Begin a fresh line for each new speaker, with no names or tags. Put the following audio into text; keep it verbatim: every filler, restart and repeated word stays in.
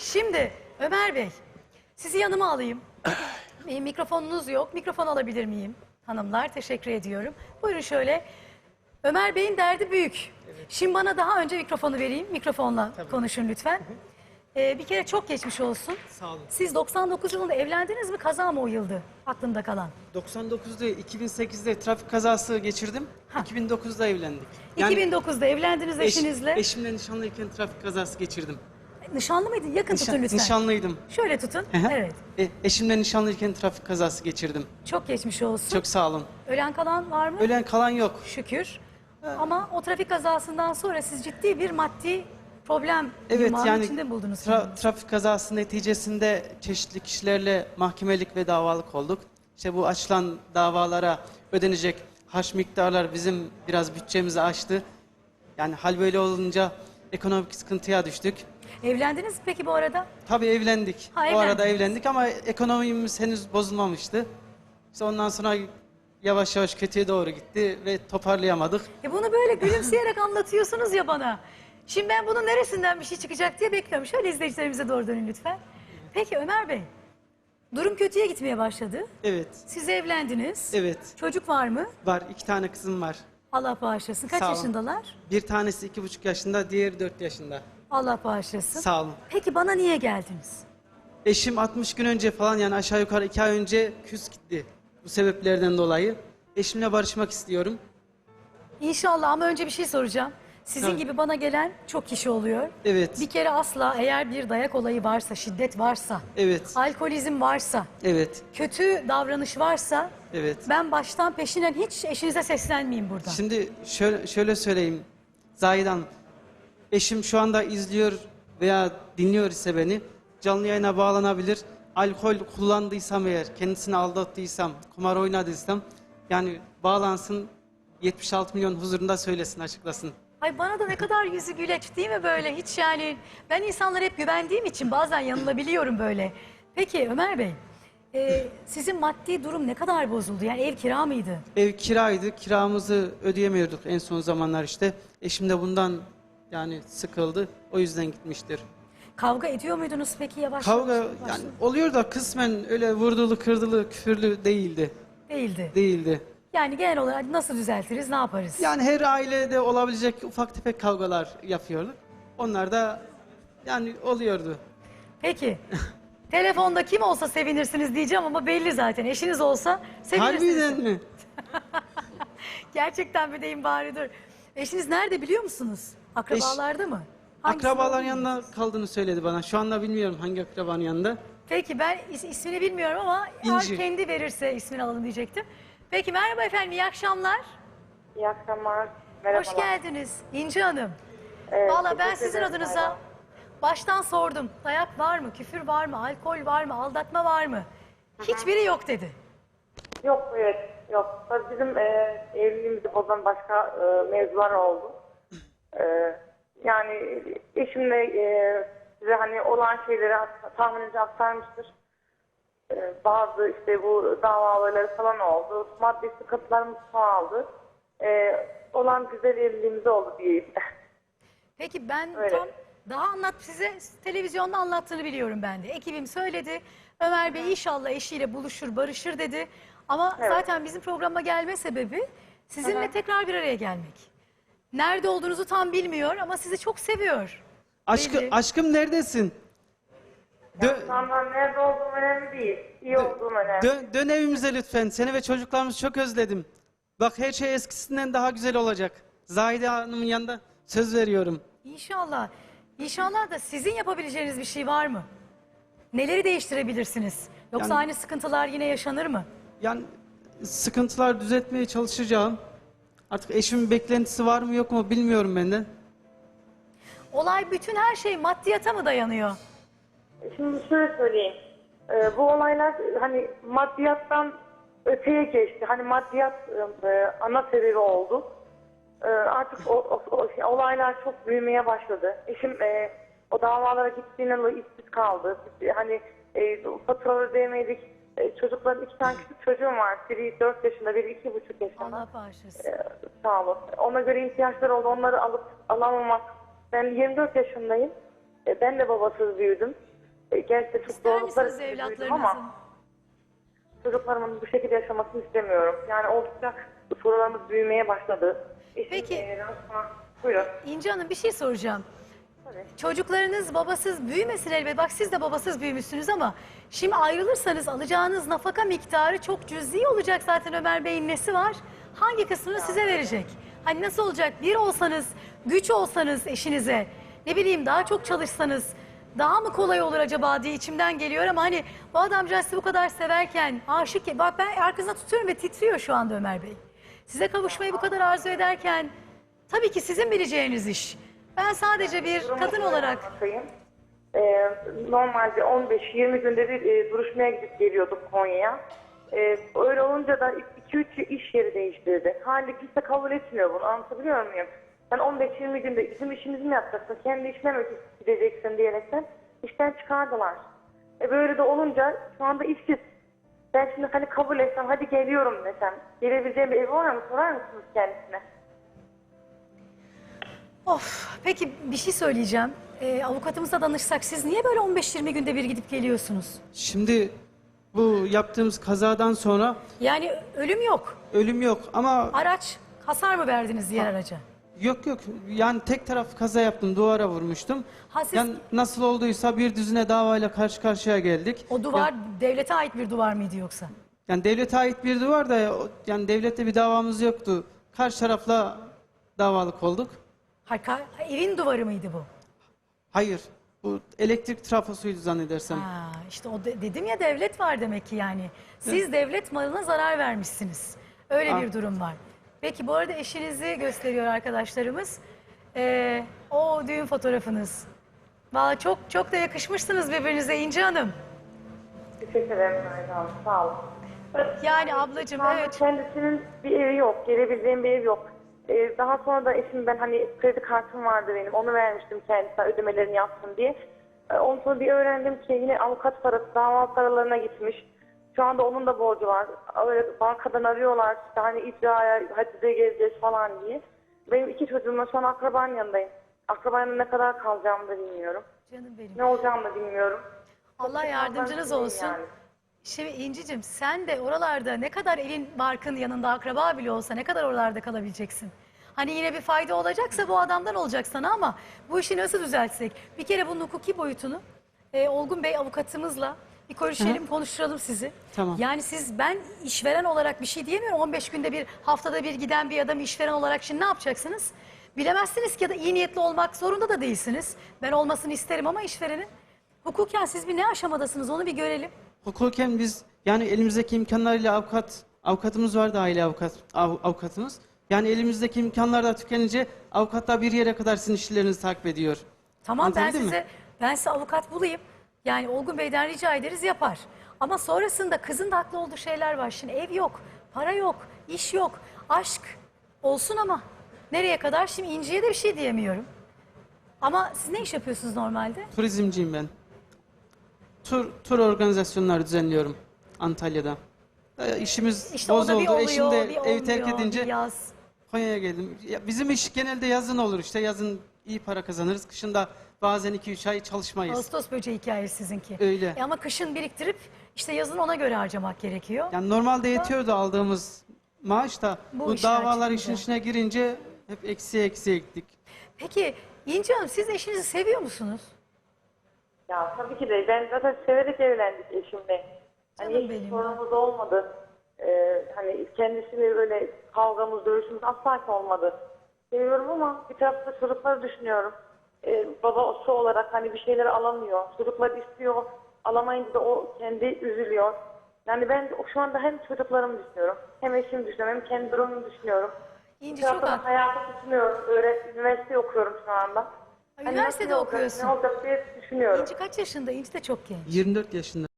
Şimdi Ömer Bey, sizi yanıma alayım. E, mikrofonunuz yok. Mikrofon alabilir miyim? Hanımlar, teşekkür ediyorum. Buyurun şöyle. Ömer Bey'in derdi büyük. Evet. Şimdi bana daha önce mikrofonu vereyim. Mikrofonla Tabii. konuşun lütfen. Ee, bir kere çok geçmiş olsun.
Sağ olun.
Siz doksan dokuz yılında evlendiniz mi? Kaza mı o yıldı aklımda kalan?
doksan dokuzda iki bin sekizde trafik kazası geçirdim. Ha. iki bin dokuzda evlendik.
Yani iki bin dokuzda evlendiniz
eş,
eşinizle.
Eşimle nişanlıyken trafik kazası geçirdim.
Nişanlı mıydın? Yakın
Nişan,
tutun lütfen.
Nişanlıydım.
Şöyle tutun. Evet.
E, eşimle nişanlıyken trafik kazası geçirdim.
Çok geçmiş olsun.
Çok sağ olun.
Ölen kalan var mı?
Ölen kalan yok.
Şükür. Ha. Ama o trafik kazasından sonra siz ciddi bir maddi problem
evet, yani
içinde mi buldunuz?
Tra trafik kazası neticesinde çeşitli kişilerle mahkemelik ve davalık olduk. İşte bu açılan davalara ödenecek harç miktarlar bizim biraz bütçemizi aştı. Yani hal böyle olunca ekonomik sıkıntıya düştük.
Evlendiniz mi peki bu arada?
Tabii evlendik.
Ha,
o arada evlendik ama ekonomimiz henüz bozulmamıştı. İşte ondan sonra yavaş yavaş kötüye doğru gitti ve toparlayamadık.
E bunu böyle gülümseyerek anlatıyorsunuz ya bana. Şimdi ben bunun neresinden bir şey çıkacak diye bekliyorum. Şöyle izleyicilerimize doğru dönün lütfen. Peki Ömer Bey, durum kötüye gitmeye başladı.
Evet.
Siz evlendiniz.
Evet.
Çocuk var mı?
Var. İki tane kızım var.
Allah bağışlasın. Kaç
Sağ olun.
yaşındalar?
Bir tanesi iki buçuk yaşında, diğeri dört yaşında.
Allah bağışlasın.
Sağ olun.
Peki bana niye geldiniz?
Eşim altmış gün önce falan, yani aşağı yukarı iki ay önce küs gitti. Bu sebeplerden dolayı. Eşimle barışmak istiyorum.
İnşallah, ama önce bir şey soracağım. Sizin
Tabii.
gibi bana gelen çok kişi oluyor.
Evet.
Bir kere asla, eğer bir dayak olayı varsa, şiddet varsa,
Evet.
alkolizm varsa,
Evet.
kötü davranış varsa,
Evet.
ben baştan peşinen hiç eşinize seslenmeyeyim burada.
Şimdi şöyle, şöyle söyleyeyim. Zahide Hanım, eşim şu anda izliyor veya dinliyor ise beni, canlı yayına bağlanabilir. Alkol kullandıysam eğer, kendisini aldattıysam, kumar oynadıysam, yani bağlansın, yetmiş altı milyon huzurunda söylesin, açıklasın.
Ay bana da ne kadar yüzü güleç değil mi böyle, hiç yani, ben insanlara hep güvendiğim için bazen yanılabiliyorum böyle. Peki Ömer Bey, e, sizin maddi durum ne kadar bozuldu? Yani ev kira mıydı?
Ev kiraydı, kiramızı ödeyemiyorduk en son zamanlar işte. Eşim de bundan yani sıkıldı, o yüzden gitmiştir.
Kavga ediyor muydunuz peki yavaş
Kavga
yavaş?
yani oluyor da kısmen öyle vurdulu kırdılı küfürlü değildi.
Değildi.
Değildi.
Yani genel olarak nasıl düzeltiriz, ne yaparız?
Yani her ailede olabilecek ufak tefek kavgalar yapıyorduk. Onlar da yani oluyordu.
Peki. Telefonda kim olsa sevinirsiniz diyeceğim ama belli zaten. Eşiniz olsa sevinirsiniz.
Harbiden mi?
Gerçekten mi diyeyim bari, dur. Eşiniz nerede biliyor musunuz? Akrabalarda mı? Hangisi
Akrabaların
olduğunu
yanında
bilmiyorsunuz?
kaldığını söyledi bana. Şu anda bilmiyorum hangi akrabanın yanında.
Peki ben is- ismini bilmiyorum ama eğer
İnci.
kendi verirse ismini alalım diyecektim. Peki merhaba efendim, iyi akşamlar.
İyi akşamlar. Merhabalar.
Hoş geldiniz İnci Hanım.
Evet,
Valla ben
teşekkür
sizin
ederim,
adınıza
merhaba.
baştan sordum. Dayak var mı, küfür var mı, alkol var mı, aldatma var mı? Hiçbiri yok dedi.
Yok, evet, yok. Tabii bizim e, evliliğimizi bozan başka e, mevzular oldu. E, yani eşimle e, size hani olan şeyleri tahminimce aktarmıştır. E, bazı işte bu davaları falan oldu. Maddi sıkıntılarımız çoğaldı. E, olan güzel evliliğimiz oldu diyeyim.
Peki ben
Öyle.
tam daha anlat, size televizyonda anlattığını biliyorum ben de. Ekibim söyledi. Ömer Bey inşallah eşiyle buluşur, barışır dedi. Ama
Evet.
zaten bizim programa gelme sebebi sizinle
Hı hı.
tekrar bir araya gelmek. Nerede olduğunuzu tam bilmiyor ama sizi çok seviyor.
Aşkı,
Belli.
aşkım neredesin? Dö
Tamam, nerede olduğum önemli değil. İyi olduğum önemli.
dön, dön evimize lütfen. Seni ve çocuklarımızı çok özledim. Bak her şey eskisinden daha güzel olacak. Zahide Hanım'ın yanında söz veriyorum.
İnşallah. İnşallah da sizin yapabileceğiniz bir şey var mı? Neleri değiştirebilirsiniz? Yoksa
Yani-
aynı sıkıntılar yine yaşanır mı?
Yani sıkıntılar düzeltmeye çalışacağım. Artık eşimin beklentisi var mı yok mu bilmiyorum ben de.
Olay, bütün her şey maddiyata mı dayanıyor?
Şimdi şöyle söyleyeyim. Ee, bu olaylar hani maddiyattan öteye geçti. Hani maddiyat e, ana sebebi oldu. Ee, artık o, o- o şey, olaylar çok büyümeye başladı. Eşim e, o davalara gittiğinde işsiz kaldı. Hani e, faturaları ödeyemedik. E, çocukların iki tane küçük çocuğum var. Biri dört yaşında, biri iki buçuk yaşında.
Allah bağışlasın.
Ee, sağ olun. Ona göre ihtiyaçları oldu. Onları alıp alamamak. Ben yirmi dört yaşındayım. Ee, ben de babasız büyüdüm. E, gerçekten çok
İster
zorluklar
misiniz
içinde büyüdüm
evlatlarınızın?
ama çocuklarımın bu şekilde yaşamasını istemiyorum. Yani oldukça sorularımız büyümeye başladı. Eşim,
Peki.
E, Ransma- buyurun.
İnci Hanım bir şey soracağım.
Tabii.
Çocuklarınız babasız büyümesin elbette. Bak siz de babasız büyümüşsünüz ama şimdi ayrılırsanız alacağınız nafaka miktarı çok cüzi olacak zaten. Ömer Bey'in nesi var? Hangi kısmını size verecek? Hani nasıl olacak? Bir olsanız, güç olsanız eşinize, ne bileyim daha çok çalışsanız daha mı kolay olur acaba diye içimden geliyor ama hani bu adamcağız sizi bu kadar severken aşık, bak ben arkasına tutuyorum ve titriyor şu anda Ömer Bey. Size kavuşmayı bu kadar arzu ederken tabii ki sizin bileceğiniz iş. Ben sadece bir
Durumu
kadın
şöyle
olarak
anlatayım. E, normalde on beş yirmi günde bir e, duruşmaya gidip geliyorduk Konya'ya. E, öyle olunca da iki üç iş yeri değiştirdi. Hali kimse kabul etmiyor bunu. Anlatabiliyor muyum? Sen on beş yirmi günde bizim işimizi mi yapacaksın? Kendi işine mi gideceksin diyerekten işten çıkardılar. E böyle de olunca şu anda işsiz. Ben şimdi hani kabul etsem hadi geliyorum desem. Gelebileceğim bir evi var mı? Sorar mısınız kendisine?
of peki bir şey söyleyeceğim. Ee, avukatımıza danışsak siz niye böyle on beş yirmi günde bir gidip geliyorsunuz?
Şimdi bu yaptığımız kazadan sonra
Yani ölüm yok.
ölüm yok ama
Araç hasar mı verdiniz diğer araca?
yok yok yani tek taraf kaza yaptım, duvara vurmuştum.
Ha, siz-
Yani nasıl olduysa bir düzine davayla karşı karşıya geldik.
O duvar devlete ait bir duvar mıydı yoksa?
Yani devlete ait bir duvar da o- yani devlette bir davamız yoktu. Karşı tarafla davalık olduk.
Ha, ka- evin duvarı mıydı bu?
Hayır, bu elektrik trafosuydu zannedersem.
Ha, işte o de- dedim ya devlet var demek ki yani. Siz devlet malına zarar vermişsiniz. Öyle
Ha.
bir durum var. Peki bu arada eşinizi gösteriyor arkadaşlarımız. Ee, o düğün fotoğrafınız. Vallahi çok çok da yakışmışsınız birbirinize İnci Hanım.
Teşekkür ederim Ayda Hanım. Sağ olun.
Yani ablacığım
Şu anda
evet.
kendisinin bir evi yok. Gelebileceğim bir ev yok. Ee, daha sonra da eşim ben hani kredi kartım vardı benim. Onu vermiştim kendisine ödemelerini yapsın diye. Ee, ondan sonra bir öğrendim ki yine avukat parası dava paralarına gitmiş. Şu anda onun da borcu var. Öyle bankadan arıyorlar işte hani icraya hadi de geleceğiz falan diye. Benim iki çocuğumla şu an akrabanın yanındayım. Akrabanın ne kadar kalacağımı da bilmiyorum.
Canım benim.
Ne olacağımı da bilmiyorum.
Allah yardımcınız olsun.
Yani.
Şimdi İnci'cim sen de oralarda ne kadar elin barkın yanında akraba bile olsa ne kadar oralarda kalabileceksin? Hani yine bir fayda olacaksa bu adamdan olacak sana ama bu işi nasıl düzeltsek? Bir kere bunun hukuki boyutunu e, Olgun Bey avukatımızla bir görüşelim, konuşturalım sizi.
Tamam.
Yani siz ben işveren olarak bir şey diyemiyorum. on beş günde bir haftada bir giden bir adam işveren olarak şimdi ne yapacaksınız? Bilemezsiniz ki ya da iyi niyetli olmak zorunda da değilsiniz. Ben olmasını isterim ama işverenin. Hukuken siz bir ne aşamadasınız onu bir görelim.
Hukuken biz yani elimizdeki imkanlarıyla avukat avukatımız vardı, aile avukat av- avukatımız. Yani elimizdeki imkanlar da tükenince avukat da bir yere kadar sizin işlerinizi takip ediyor.
Tamam ben
Anlatabildim mi?
size ben size avukat bulayım. Yani Olgun Bey'den rica ederiz yapar. Ama sonrasında kızın da haklı olduğu şeyler var. Şimdi ev yok, para yok, iş yok, aşk olsun ama nereye kadar? Şimdi İnci'ye de bir şey diyemiyorum. Ama siz ne iş yapıyorsunuz normalde?
Turizmciyim ben. Tur tur organizasyonları düzenliyorum Antalya'da. Ee, işimiz
İşte o
boz
da bir
oldu.
oluyor,
Eşim de
bir
evi terk
olmuyor, bir
edince
yaz.
Konya'ya geldim. Ya bizim iş genelde yazın olur işte. Yazın iyi para kazanırız. Kışın da bazen iki üç ay çalışmayız.
Ağustos böceği hikayesi sizinki.
Öyle.
E ama kışın biriktirip işte yazın ona göre harcamak gerekiyor.
Yani normalde yetiyordu aldığımız maaş da
Bu
bu,
işler
davalar
çıkınca.
işin içine girince hep eksiye eksiye gittik.
Peki İnci Hanım siz eşinizi seviyor musunuz?
Ya tabii ki de ben zaten severek evlendik eşimle. Hani
Canım
hiç
benim
sorunumuz olmadı. Ee, hani kendisiyle böyle kavgamız, dövüşümüz asla ki olmadı. Seviyorum ama bir tarafta çocukları düşünüyorum. Ee, babası olarak hani bir şeyleri alamıyor. Çocuklar istiyor. Alamayınca da o kendi üzülüyor. Yani ben şu anda hem çocuklarımı düşünüyorum, hem eşimi düşünüyorum, hem kendi durumumu düşünüyorum.
İnci
Bir
çok
taraftan
haklı.
hayatı düşünüyorum. Öyle üniversite okuyorum şu anda. Hani
Üniversitede
nasıl olacak,
okuyorsun.
Ne olacak diye düşünüyorum.
İnci kaç yaşında? İnci de çok genç.
yirmi dört yaşında.